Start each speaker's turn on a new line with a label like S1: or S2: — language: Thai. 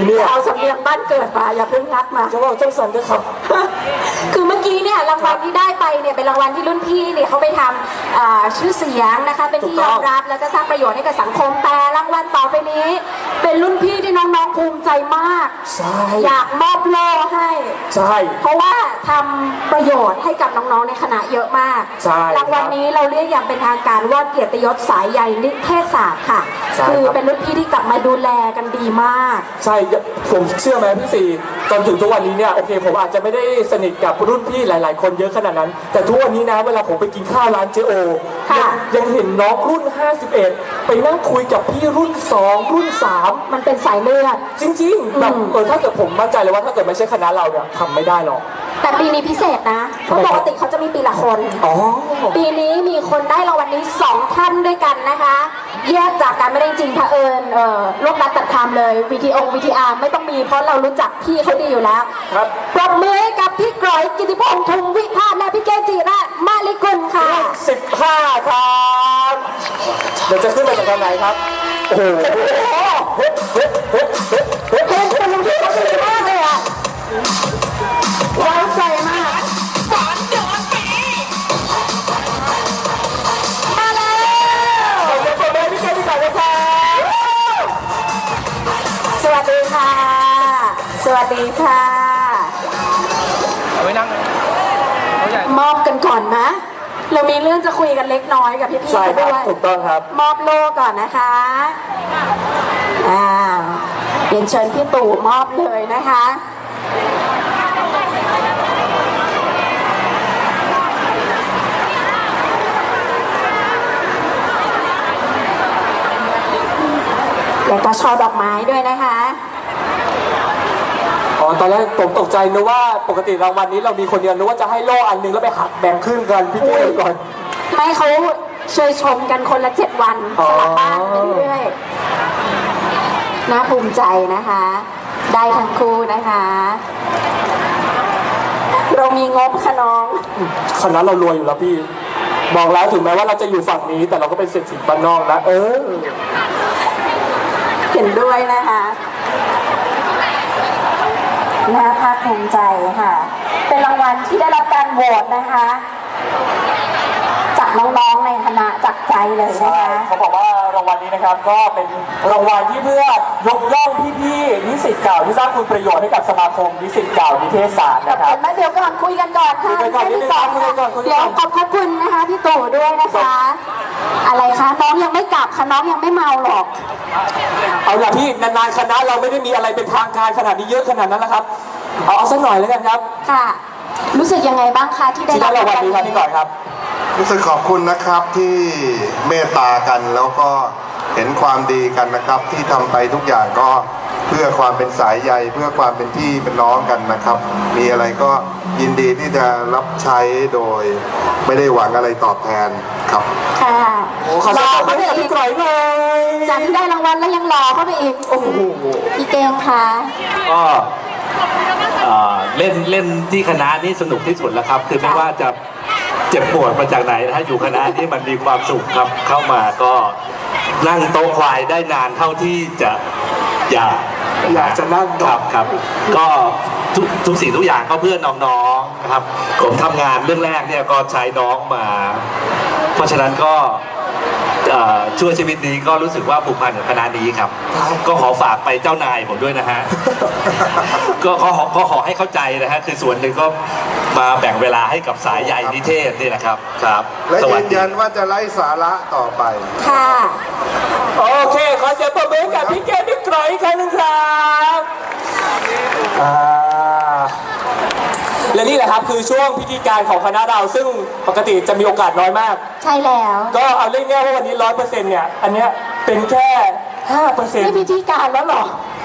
S1: เนี่ย
S2: เอาสำเนียงบ้านเกิดมาอย่าเพิ่งงัดมา
S1: จะว่าเจ้าสันด้วยครับ
S2: คือเมื่อกี้เนี่ยรางวัลที่ได้ไปเนี่ยเป็นรางวัลที่รุ่นพี่เนี่ยเขาไปทำชื่อเสียงนะคะเป็นที่ยอมรับแล้วก็สร้างประโยชน์ให้กับสังคมแต่รางวัลต่อไปนี้ เป็นรุ่นพี่ที่น้องๆภูมิใจมาก
S1: ใช่
S2: อยากมอบโล่ให้
S1: ใช่
S2: เพราะว่าทำประโยชน์ให้กับน้องๆในคณะเยอะมาก
S1: ใช่
S2: รางวัลนี้เราเรียกอย่างเป็นทางการว่าเกียรติยศสายใยนิเทศศาสตร์ค่ะ
S1: ใช่
S2: คือ
S1: ครับ
S2: เป็นรุ่นพี่ที่กลับมาดูแลกันดีมาก
S1: ใช่ผมเชื่อไหมพี่ซีจนถึงทุกวันนี้เนี่ยโอเคผมอาจจะไม่ได้สนิทกับรุ่นพี่หลาย ๆ คนเยอะขนาดนั้น แต่ทุกวันนี้นะเวลาผมไปกินข้าวร้านเจโอ
S2: ค่ะ
S1: ยังเห็นน้องรุ่น 51 ไปนั่งคุยกับพี่รุ่น 2 รุ่น 3
S2: มันเป็นสายเลือด
S1: จริง ๆ แบบถ้าเกิดผมมั่นใจเลยว่าถ้าเกิดไม่ใช่คณะเราเนี่ยทำไม่ได้หรอก
S2: แต่ปีนี้พิเศษนะเพราะปกติเขาจะมีปีละคน
S1: อ๋อ
S2: ปีนี้มีคนได้รางวัลนี้2ท่านด้วยกันนะคะ แยกจากกันไม่ได้จริงเผอิญลูกนัดตัดคำเลยVTR ไม่ต้องมีเพราะเรารู้จักพี่เขาดีอยู่แล้ว
S1: ครับ
S2: ปรบมือให้กับพี่กรอยกิติพงษ์ทุงวิพาสและพี่เกจิระมาลิกุลค่ะ
S1: 15 ครับเดี๋ยวจะขึ้นมาจากทางไหนครับ โอ้โห
S2: เพลงคุณลุงพี่เขาดีมากเลยอ่ะไว้ใจมากมาแล้ว
S1: ขอบคุณแม่พี่เกพี่ก่อนนะครับ
S2: สวัสดีค่ะ สวัสดีค่ะ
S3: เอาไว้นั่งเขาใหญ่
S2: มอบกันก่อนนะ เรามีเรื่องจะคุยกันเล็กน้อยกับพี่ๆ
S1: ใช่
S2: เขา
S1: ครับ
S2: ด้วย
S1: ถูกต้องครับ
S2: มอบโล่ก่อนนะคะเรียนเชิญพี่ตู่มอบเลยนะคะ แล้วก็ช่อดอกไม้ด้วยนะคะ
S1: อ๋อ ตอนแรกผมตกใจนึกว่าปกติรางวัลนี้เรามีคนเดียวนึกว่าจะให้โล่อันหนึงแล้วไปหักแบ่งครึ่งกันพี่เก้ก่อน
S2: ไม่เขาเชยชมกันคนละ7 วันสลับบ้านไปเรื่อยๆน่าภูมิใจนะคะ ได้ทั้งคู่นะคะ เรามีงบค่ะน้อง
S1: คณะเรารวยอยู่แล้วพี่ บอกแล้วถึงแม้ว่าเราจะอยู่ฝั่งนี้ แต่เราก็เป็นเศรษฐีบ้านนอกนะ
S2: เห็นด้วยนะคะน่าภาคภูมิใจค่ะ เป็นรางวัลที่ได้รับการโหวตนะคะ จากน้องๆในคณะจากใจเลยนะ
S1: ใช่
S2: คะ
S1: เขาบอกว่ารางวัลนี้นะครับก็เป็นรางวัลที่เพื่อยกย่องพี่ๆนิสิตเก่าที่สร้างคุณประโยชน์ให้กับสมาคมนิสิตเก่านิเทศศาสตร์
S2: ขอบ
S1: นะครั
S2: คุ
S1: บ
S2: ณแม่เดี๋ยวก่อนคุยกันก่อนค่ะ
S1: คุยกันก่อนนิดนึงครับคุยกันก่อนคุยกันก่อน
S2: เดี๋ยวขอบพระคุณนะคะพี่ตู่ด้วยนะคะ อะไรคะน้องยังไม่กลับค่ะน้องยังไม่เมาหรอก
S1: เอาล่ะพี่นานๆคณะเราไม่ได้มีอะไรเป็นทางการขนาดนี้เยอะขนาดนั้นแล้วครับ เอาสักหน่อยแล้วกันครับ
S2: ค่ะ รู้สึกยังไงบ้างคะที่ได้
S1: ที่ได้รางวัลนี้ครับพี่ก่อนครับ
S4: รู้สึกขอบคุณนะครับที่เมตตากันแล้วก็เห็นความดีกันนะครับ ที่ทำไปทุกอย่างก็เพื่อความเป็นสายใยเพื่อความเป็นพี่เป็นน้องกันนะครับ มีอะไรก็ยินดีที่จะรับใช้โดยไม่ได้หวังอะไรตอบแทนครับ
S2: ค่ะ
S1: โอ้ขอ
S2: ห
S1: สั
S2: ล่
S1: ก
S2: อ
S1: หน่อย
S2: เข้าไป
S1: ให้กับ
S2: อี
S1: พี่
S2: ก
S1: ก่อยหน่อย
S2: จากที่ได้รางวัลแล้วยังหล่อเข้าไปอีก
S1: โอ้โห
S2: พี่เกงคะ
S3: ก็เล่นที่คณะนี้สนุกที่สุดแล้วครับ คือไม่ว่าจะเจ็บปวดมาจากไหนนะฮะอยู่คณะนี้มันมีความสุขครับ เข้ามาก็นั่งโต๊ะควายได้นานเท่าที่จะอยาก
S1: จะนั่ง
S3: ครับ ก็ทุกสิ่งทุกอย่างก็เพื่อน้องๆนะครับ ผมทำงานเรื่องแรกเนี่ยก็ใช้น้องมา เพราะฉะนั้นก็ช่วยชีวิตนี้ก็รู้สึกว่าผูกพันกับคณะนี้ครับ ก็ขอฝากไปเจ้านายผมด้วยนะฮะ ก็ขอให้เข้าใจนะฮะคือส่วนหนึ่งก็มาแบ่งเวลาให้กับสายใยนิเทศนี่นะครับครับ
S4: และ
S3: สวั
S4: ยื
S3: ส
S4: น
S3: ดี
S4: ยันว่าจะไล่สาระต่อไป
S2: ค่ะ
S1: โอเค ขอเสียงปรบมือให้กับพี่เก้พี่ก่อยอีกครั้งหนึงครับและนี่แหละครับคือช่วงพิธีการของคณะเราซึ่งปกติจะมีโอกาสน้อยมาก
S2: ใช่แล้ว
S1: ก็เอาเรื่องง่ายๆว่าวันนี้100%เนี่ย อันเนี้ยเป็นแค่ 5%
S2: นี่พิธีการแล้วเหรอ